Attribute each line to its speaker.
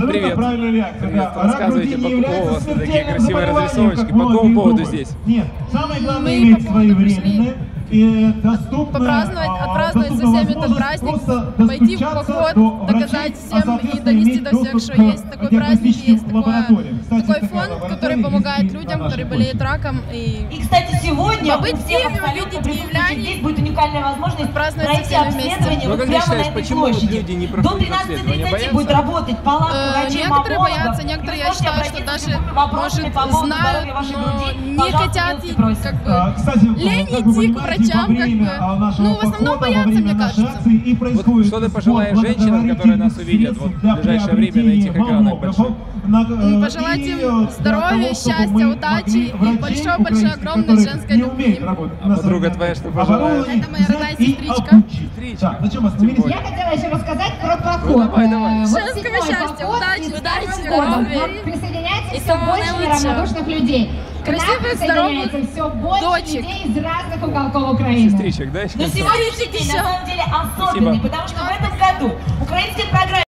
Speaker 1: Привет.
Speaker 2: Привет. Рассказывайте, по какому у вас такие красивые разрисовочки. По какому поводу здесь?
Speaker 3: Нет, самое главное
Speaker 4: Мы
Speaker 3: иметь
Speaker 4: по поводу
Speaker 3: своевременное и доступное,
Speaker 4: отпраздновать со всеми этот праздник, пойти в поход, доказать всем и донести до всех, что есть такой праздник, есть такой фонд, который помогает людям, которые болеют раком.
Speaker 5: И, кстати, сегодня
Speaker 4: побыть
Speaker 5: у всех
Speaker 4: в Киеве,
Speaker 5: абсолютно
Speaker 4: увидеть
Speaker 5: присутствующих здесь будет уникальная возможность
Speaker 4: праздновать со
Speaker 5: пройти
Speaker 4: всеми вместе.
Speaker 5: обследование
Speaker 2: Ну,
Speaker 5: вот
Speaker 2: как ты
Speaker 5: прямо
Speaker 2: считаешь,
Speaker 5: на этой
Speaker 2: почему
Speaker 5: площади.
Speaker 2: люди не
Speaker 5: До
Speaker 2: проходят обследование?
Speaker 5: 13:30
Speaker 2: Боятся?
Speaker 5: будет работать палатка врачей,
Speaker 4: Некоторые
Speaker 5: маммологов.
Speaker 4: боятся, некоторые, я
Speaker 5: Можете
Speaker 4: считаю, что
Speaker 5: обратиться
Speaker 4: даже,
Speaker 5: с любыми вопросами
Speaker 4: может,
Speaker 5: по поводу
Speaker 4: знают,
Speaker 5: здоровья вашей
Speaker 4: но
Speaker 5: груди.
Speaker 4: не
Speaker 5: Пожалуйста,
Speaker 4: хотят,
Speaker 5: милости просим.
Speaker 4: как бы,
Speaker 3: Кстати,
Speaker 4: лень
Speaker 3: как вы
Speaker 4: идти к
Speaker 3: понимаете,
Speaker 4: врачам,
Speaker 3: во время
Speaker 4: как бы.
Speaker 3: нашего
Speaker 4: Ну, в основном
Speaker 3: похода,
Speaker 4: боятся,
Speaker 3: во время
Speaker 4: мне
Speaker 3: нашей
Speaker 4: кажется.
Speaker 3: акции и происходит
Speaker 2: что ты
Speaker 3: спор
Speaker 2: пожелаешь женщинам, которые нас увидят вот в ближайшее время на этих экранах больших?
Speaker 4: Пожелать им здоровья, счастья, удачи и большой-большой огромной женской любви.
Speaker 2: А подруга твоя что пожелает?
Speaker 4: Это моя родная сестричка.
Speaker 2: Сестричка.
Speaker 3: На чем остановились?
Speaker 6: Я хотела еще рассказать про поход.
Speaker 2: Ну, давай.
Speaker 4: Женского счастья, удачи, здоровья, любви.
Speaker 6: Присоединяется
Speaker 4: И
Speaker 6: все
Speaker 4: самого
Speaker 6: больше
Speaker 4: наилучшего.
Speaker 6: неравнодушных людей. К нам
Speaker 4: Красивых,
Speaker 6: присоединяется
Speaker 4: здоровых
Speaker 6: все больше
Speaker 4: дочек.
Speaker 6: людей из разных уголков Украины.
Speaker 2: Сестричек, да?
Speaker 5: Но сегодняшний день на самом деле особенный, потому что в этом году украинские программы